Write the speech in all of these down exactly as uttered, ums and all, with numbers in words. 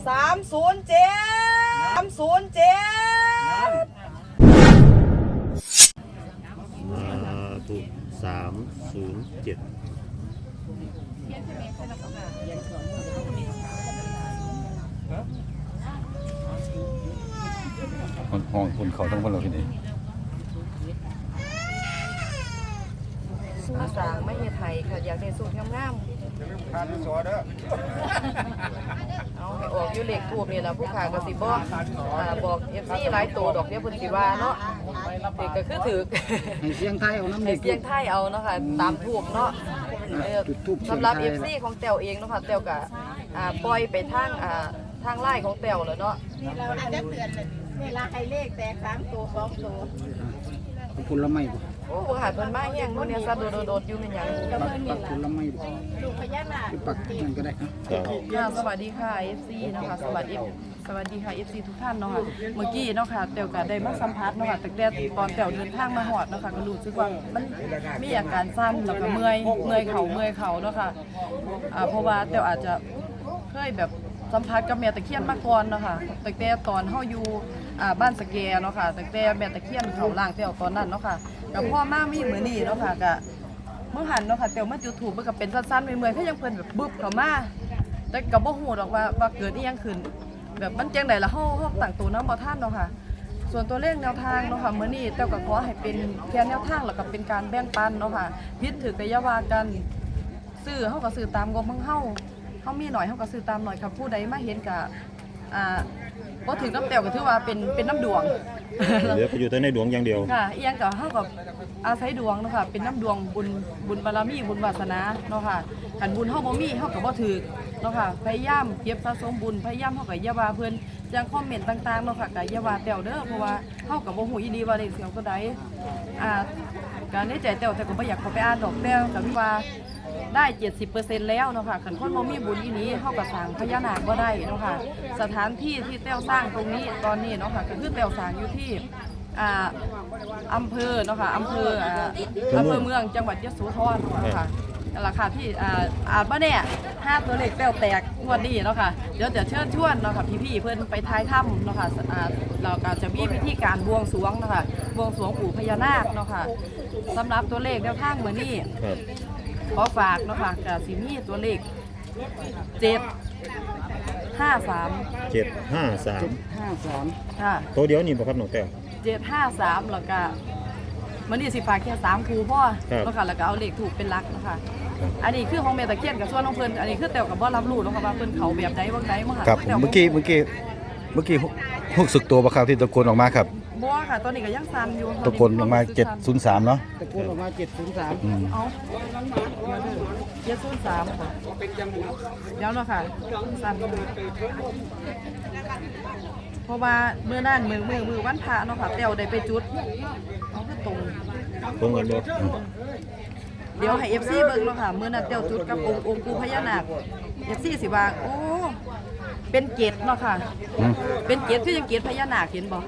สามศูนย์เจ็ดสามศูนย์เจ็ดถูกสามศูนย์เจ็ดคนห้องคนเขาทั้งคนเราที่นี่สู้สางไม่เฮ็ดไทยค่ะอยากได้สูตรงามๆขาดสอเด้อเอาให้ออกอยู่เลขทูบนี่ล่ะผู้ขาก็สิบอกอ่าบอก เอฟ ซี หลายตัวดอกเดี๋ยวเพิ่นสิว่าเนาะเด็กก็คือถูกให้เสียงไทยเอาน้ำให้เสียงไทยเอาเนาะค่ะตามทูบเนาะสำหรับ เอฟ ซี ของแต้วเองเนาะค่ะแต้วก็อ่าปล่อยไปทางอ่าทางไลน์ของแต้วแล้วเนาะนี่เราอาจจะเตือนเวลาให้เลขแตกสามตัวสองตัวผลไม้บ่โอ้หาเพิ่นมาเฮียงมื้อนี้ซะโดดๆอยู่แม่นหยังปักปักผลไม้บ่ลูกพญานาคปักนั่นก็ได้ครับค่ะสวัสดีค่ะ เอฟ ซี เนาะค่ะสวัสดีสวัสดีค่ะ เอฟ ซี ทุกท่านเนาะค่ะเมื่อกี้เนาะค่ะแต้วก็ได้มาสัมภาษณ์เนาะค่ะตั้งแต่ตอนแต้วเดินทางมาฮอดเนาะค่ะก็รู้สึกว่ามันมีอาการสั่นแล้วก็เมื่อยเมื่อยเข่าเมื่อยเข่าเนาะค่ะอ่าเพราะว่าแต้วอาจจะเคยแบบสัมผัสกับแม่ตะเคียนมาก่อนเนาะค่ะตั้งแต่ตอนเฮาอยู่อ่าบ้านสะแกเนาะค่ะตั้งแต่แม่ตะเคียนเขาล่างแต้วตอนนั้นเนาะค่ะกับพ่อมามีมื้อนี้เนาะค่ะก็เมื่อหันเนาะค่ะแต้วมาจุดธูปมันก็เป็นสั้นๆเมื่อยๆคือยังเพิ่นแบบบึบเข้ามาแต่ก็บ่ฮู้ดอกว่าว่าเกิดอีหยังขึ้นแบบมันจังได๋ล่ะเฮาเฮาตั้งตัวนำบ่ทันเนาะค่ะส่วนตัวเลขแนวทางเนาะค่ะมื้อนี้แต้วก็ขอให้เป็นแค่แนวทางแล้วก็เป็นการแบ่งปันเนาะค่ะผิดถูกก็อย่าว่ากันซื้อเฮาก็ซื้อตามงบของเฮาเฮามีหน่อยเฮาก็ซื้อตามหน่อยค่ะผู้ใดมาเห็นก็อ่าบ่ถึงน้ำแต้วก็ถือว่าเป็นเป็นน้ำดวงเหลือไปอยู่แต่ในดวงอย่างเดียวค่ะอีหยังก็เฮาก็อาศัยดวงเนาะค่ะเป็นน้ำดวงบุญบุญบารมีบุญวาสนาเนาะค่ะคันบุญเฮาบ่มีเฮาก็บ่ถูกเนาะค่ะพยายามเก็บสะสมบุญพยายามเฮาก็อย่าว่าเพิ่นจังคอมเมนต์ต่างๆเนาะค่ะก็อย่าว่าแต้วเด้อเพราะว่าเฮาก็บ่ฮู้อีหลีว่าเลขเสียงตัวใดอ่าการในใจแต้วแต่ก็บ่อยากเข้าไปอ่านดอกแต้วก็มีว่าได้ เจ็ดสิบเปอร์เซ็นต์ แล้วเนาะค่ะคันคนบ่มีบุญอีนี้เฮาก็สร้างพญานาคบ่ได้เนาะค่ะสถานที่ที่แต้วสร้างตรงนี้ตอนนี้เนาะค่ะก็คือแต้วสร้างอยู่ที่อ่าอำเภอเนาะค่ะอำเภออ่าอำเภอเมืองจังหวัดยโสธรเนาะค่ะนั่นล่ะค่ะที่อ่าอาจบ่แน่ห้าตัวเลขแต้วแตกงวดนี้เนาะค่ะเดี๋ยวจะเชิญชวนเนาะค่ะพี่ๆเพิ่นไปท้ายถ้ำเนาะค่ะอ่าเราก็จะมีพิธีการบวงสรวงเนาะค่ะบวงสรวงปู่พญานาคเนาะค่ะสำหรับตัวเลขแนวทางมื้อนี้ขอฝากเนาะค่ะกับสิมีตัวเลขเจ็ดห้าสามเจ็ดห้าสามห้าสามค่ะตัวเดียวนี่บ่ครับน้องแต้วเจ็ดห้าสามแล้วก็มันนี่สิฝากแค่สามคูพ่อเนาะค่ะแล้วก็เอาเลขถูกเป็นหลักเนาะค่ะอันนี้คือของแม่ตะเคียนกับส่วนของเพิ่นอันนี้คือแต่กับบ่รับรู้เนาะค่ะว่าเพิ่นเขาแบบใดบ่ใดบ่ค่ะครับเมื่อกี้เมื่อกี้เมื่อกี้หกสึกตัวบ่ครับที่ตะโกนออกมาครับบ่ค่ะตอนนี้ก็ยังสั่นอยู่ตะโกนออกมาเจ็ดศูนย์สามเนาะตะโกนออกมาเจ็ดศูนย์สามเอาเจ็ดศูนย์สามค่ะเดี๋ยวเนาะค่ะสั่นเพราะว่าเมื่อนั้นมือมือมือวันพระเนาะค่ะแต้วได้ไปจุดเอาคือตรงตรงกันบ่เดี๋ยวให้ เอฟ ซี เบิ่งเนาะค่ะมื้อนั้นแต้วจุดกับองค์องค์ปู่พญานาค เอฟ ซี สิว่าโอ้เป็นเกศเนาะค่ะเป็นเกศคือยังเกศพญานาคเห็นบ่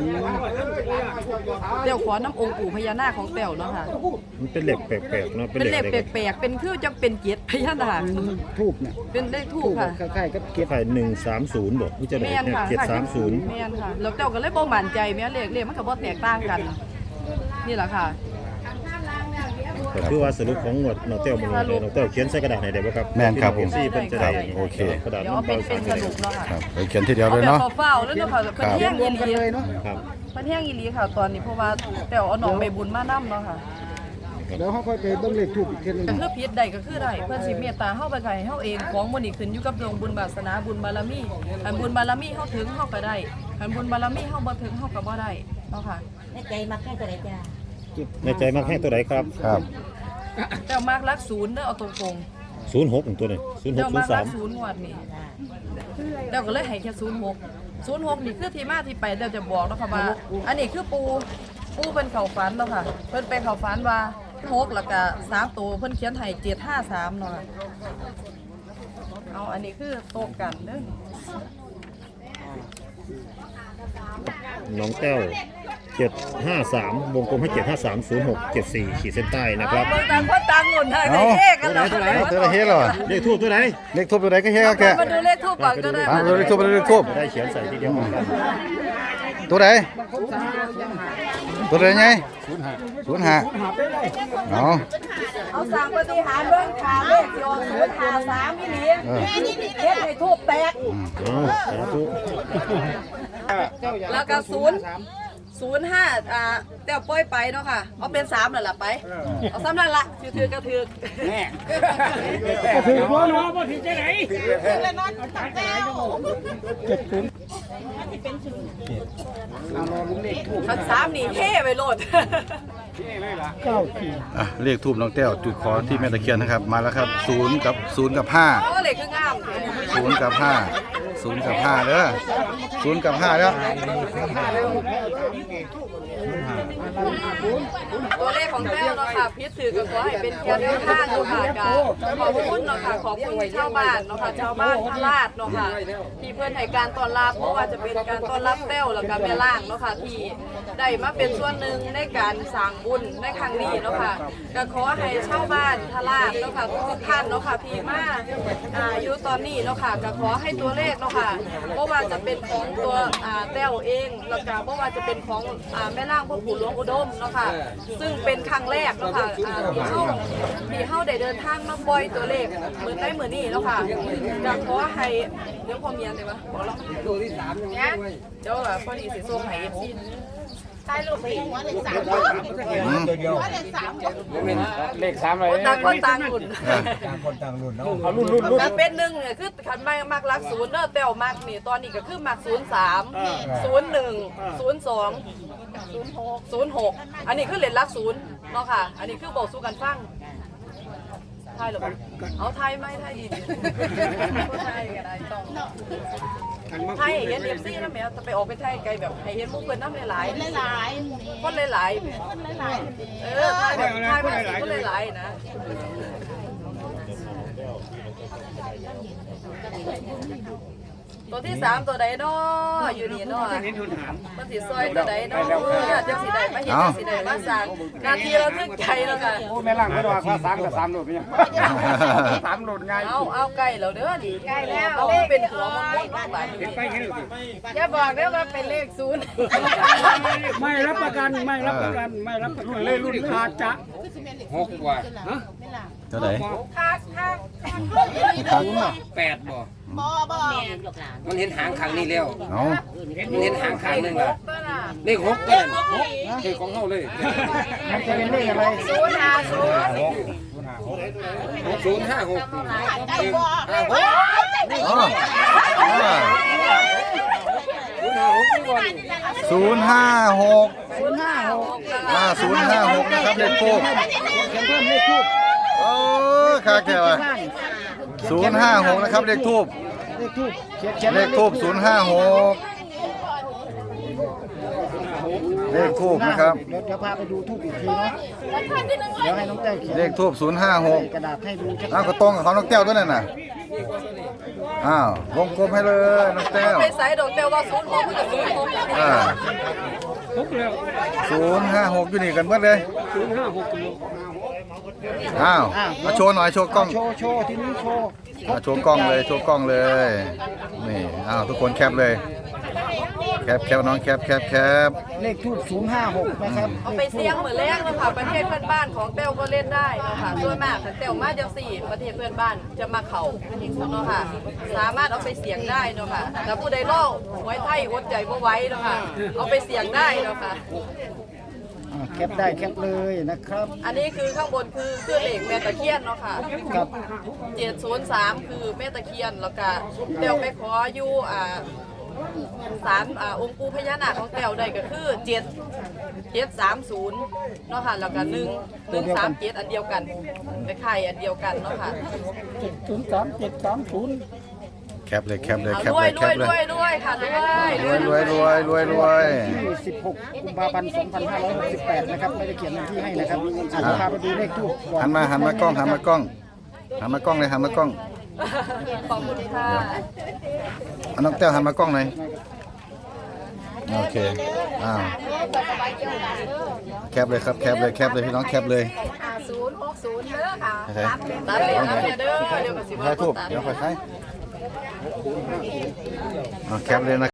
แต้วขอน้ำองค์ปู่พญานาคของแต้วเนาะค่ะมันเป็นเหล็กแปลกๆเนาะเป็นเหล็กแปลกๆเป็นคือจังเป็นเกศพญานาคทูบเนี่ยเป็นเลขทูบค่ะคล้ายๆกับเกศไข่หนึ่งสามศูนย์บ่ที่จะได้เจ็ดสามศูนย์แม่นค่ะแล้วแต้วก็เลยบ่มั่นใจแม่เลขเลขมันก็บ่แตกต่างกันนี่แหละค่ะก็คือว่าสรุปของงวดน้องแต้วบ่เลยน้องแต้วเขียนใส่กระดาษให้ได้บ่ครับแม่นครับผมเพิ่นจะได้โอเคกระดาษเดี๋ยวเป็นเป็นสรุปเนาะค่ะครับเขียนทีเดียวเลยเนาะเฝ้าแล้วเนาะค่ะเพิ่นแห้งอีหลีเลยเนาะครับเพิ่นแห้งอีหลีค่ะตอนนี้เพราะว่าแต้วเอาน้องไปบุญมานำเนาะค่ะเดี๋ยวเฮาค่อยไปเบิ่งเลขทูบอีกทีนึงก็คือผิดได้ก็คือได้เพิ่นสิเมตตาเฮาไปให้เฮาเองของมื้อนี้ขึ้นอยู่กับดวงบุญวาสนาบุญบารมีอันบุญบารมีเฮาถึงเฮาก็ได้อันบุญบารมีเฮาบ่ถึงเฮาก็บ่ได้เนาะค่ะในใจมักแค่ตัวใดจ้าในใจมักให้ตัวใดครับครับแต่มากรักศูนย์เด้อเอาตรงๆศูนย์หกตัวนี้ศูนย์หก ศูนย์สามศูนย์งวดนี่แล้วก็เลยให้แค่ศูนย์หก ศูนย์หกนี่คือที่มาที่ไปเดี๋ยวจะบอกเนาะค่ะว่าอันนี้คือปูปูเพิ่นเข้าฝันเนาะค่ะเพิ่นไปเข้าฝันว่าหกแล้วก็สามตัวเพิ่นเขียนให้เจ็ดห้าสามเนาะเอาอันนี้คือโตกันเด้อน้องแต้วเจ็ดห้าสามวงกลมให้เจ็ดห้าสามศูนย์หกเจ็ดสี่ขีดเส้นใต้นะครับเบิ่งต่างคนต่างหนุนทางในเฮกันเหรอตัวไหนตัวไหนเฮ็ดเหรอเลขทูบตัวไหนเลขทูบตัวไหนก็เฮ็ดแกมาดูเลขทูปก่อนก็ได้อ่าดูเลขทูบดูเลขทูบได้เขียนใส่ทีเดียวกันตัวไหนตัวไหนไงศูนย์ห้าเอาเอาสั่งปฏิหารเบิ่งขาเลขที่ออกศูนย์ห้าสามนี่นี่เออเฮ็ดให้ทูปแตกเอาสาธุแล้วก็ศูนย์ศูนย์ห้าอ่าเต้วป้อยไปเนาะค่ะเอาเป็นสามนั่นแหละไปเอาซ้ำนั่นละถือถือกระถือก็ถือว่าเนาะบ่ถือจะไหนแล้วนอนตักแก้วเจ็ดศูนย์เอารอลุ้นเลขทูบคันสามนี่เฮ่ไปโลดเก้าสี่อ่ะเลขทูบน้องแต้วจุดขอที่แม่ตะเคียนนะครับมาแล้วครับศูนย์กับศูนย์กับห้าโอ้เลขคืองามศูนย์กับห้าศูนย์กับห้าเด้อศูนย์กับห้าเด้อตัวเลขของแต้วเนาะค่ะพิษถือก็ขอให้เป็นแค่แนวทางเนาะค่ะก็ขอบคุณเนาะค่ะขอบคุณชาวบ้านเนาะค่ะชาวบ้านพระราชเนาะค่ะที่เพื่อนให้การต้อนรับเพราะว่าจะเป็นการต้อนรับแต้วแล้วก็แม่ล่างเนาะค่ะที่ได้มาเป็นส่วนหนึ่งในการสร้างบุญในครั้งนี้เนาะค่ะก็ขอให้ชาวบ้านพระราชเนาะค่ะทุกท่านเนาะค่ะที่มาอ่าอยู่ตอนนี้เนาะค่ะก็ขอให้ตัวเลขเนาะค่ะเพราะว่าจะเป็นของตัวอ่าแต้วเองแล้วก็เพราะว่าจะเป็นของอ่าแม่ล่างพ่อปู่หลวงอุดมเนาะค่ะซึ่งเป็นครั้งแรกเนาะค่ะอ่าที่เฮาที่เฮาได้เดินทางมาปล่อยตัวเลขเหมือนได้เหมือนนี่เนาะค่ะก็ขอให้เดี๋ยวพอเมียนได้ปะบอกแล้วตัวที่สามเนี่ยเดี๋ยวแบบพอดีสิส่งให้ เอฟ ซีใต้ลูกผีหัวเลขสามอืมหัวเลขสามเลขสามอะไรคนต่างคนต่างรุ่นเอารุ่นรุ่นรุ่นก็เป็นหนึ่งเนี่ยคือขันไม่มักรักศูนย์เนอะแต่วมักนี่ตอนนี้ก็คือมักศูนย์สามศูนย์หนึ่งศูนย์สองศูนย์หกศูนย์หกอันนี้คือเหรียญรักศูนย์เนาะค่ะ อันนี้คือบอกสู้กันฟังไทยหรอปะเอาไทยไหมไทยดีดีไทยกันได้ต้องไทยเห็นเอฟซีนะแม่จะไปออกไปไทยไกลแบบให้เห็นมุกเกินน้ำหลายๆหลายคนหลายๆๆคนหลายเออไทยแบบไทยแบบคนหลายๆนะตัวที่สามตัวใดเนาะอยู่นี่เนาะมันสีซอยตัวใดเนาะจังสีใดมาเห็นจังสีใดมาสั่งนาทีเราทึกใจแล้วค่ะโอ้แม่ล่างไม่ได้ว่าข้าสามกับสามโหลดเนี่ยสามโหลดง่ายเอาเอาไก่เราเด้อดิๆใกล้แล้วเอาเป็นหัวมันม่วงบ้านบ้านไปเห็นหรืออย่าบอกเด้อว่าเป็นเลขศูนย์ไม่รับประกันไม่รับประกันไม่รับประกันเลยรุ่นอาจจะหกกว่าฮะเท่าไหร่คักคักแปดบ่บ่บ่มันเห็นหางข้างนี้แล้วเอามันเห็นหางข้างหนึงอ่ะตัวน่ะเลขหกก็นั่นเลขของเฮาเลยมันจะเป็นเลขอะไรศูนย์ห้าศูนย์หกศูนย์ห้าหกได้บ่ได้บ่อ๋ออ่าศูนย์ห้าหกนี่บ่นี่ศูนย์ห้าหกศูนย์ห้าหกอ่าศูนย์ห้าหกนะครับเลขทูบเขียนเพิ่มเลขทูบโอ้ค่าแก่ว่ะศูนย์ห้าหกนะครับเลขทูบเลขทูบเขียนเขียนเลขทูบศูนย์ห้าหกเลขทูบนะครับเดี๋ยวจะพาไปดูทูบอีกทีเนาะเดี๋ยวให้น้องแต้วเขียนเลขทูบศูนย์ห้าหกกระดาษให้ดูชัดอ้าวก็ตรงกับเขาน้องแต้วด้วยนั่นน่ะอ้าววงกลมให้เลยน้องแต้วไปใส่ดอกเต้วว่าศูนย์หกมันกับศูนย์หกอ่าศูนย์ห้าหกอยู่นี่กันเบิดเลยอ้าวมาโชว์หน่อยโชว์กล้องโชว์โชว์ที่นี้โชว์มาโชว์กล้องเลยโชว์กล้องเลย นี่อ้าวทุกคนแคปเลย แคปแคปน้องแคปแคปแคปเลขทูบศูนย์ห้าหกนะครับเอาไปเสี่ยงเหมือนแรกนะคะประเทศเพื่อนบ้านของเต้วก็เล่นได้นะคะส่วนมากแต่เต้วมาจังสี่ประเทศเพื่อนบ้านจะมาเข่าเนาะค่ะสามารถเอาไปเสี่ยงได้เนาะค่ะแต่ผู้ใดล่อไว้ไทยอดใจบ่ไว้เนาะค่ะเอาไปเสี่ยงได้เนาะค่ะอ่าแคปได้แคปเลยนะครับอันนี้คือข้างบนคือคือเหล็กแม่ตะเคียนเนาะค่ะกับเจ็ดศูนย์สามคือแม่ตะเคียนแล้วก็เต้วไปขออยู่อ่าสามอ่าองค์ปู่พญานาคของเต้วได้ก็คือเจ็ดเจ็ดสามศูนย์เนาะค่ะแล้วก็หนึ่งหนึ่งสามเจ็ดอันเดียวกันไปไข่อันเดียวกันเนาะค่ะเจ็ดศูนย์สามเจ็ดสามศูนย์แคปเลยแคปเลยเอาแคปรวเลย ยรแควยปเลรวยยรวยค่ะรวยรวยรวยรวยรวยรวยที่สิบหกกุมภาพันธ์สองพันห้าร้อยหกสิบแปดนะครับไม่ได้เขียนวันที่ให้นะครับอาจจะพาไปดูเลขทูบก่อนหันมาหันมากล้องหันมากล้องหันมากล้องเลยหันมากล้องขอบคุณค่ะเอาน้องแต้วหันมากล้องหน่อยโอเคอ้าวแคปเลยครับแคปเลยแคปเลยพี่น้องแคปเลยห้าศูนย์หกศูนย์เด้อค่ะใช่ตัดเลยตัดเลยเด้อเดี๋ยวก็สิใครทูบเดี๋ยวใครใครเอาแคปเลยนะ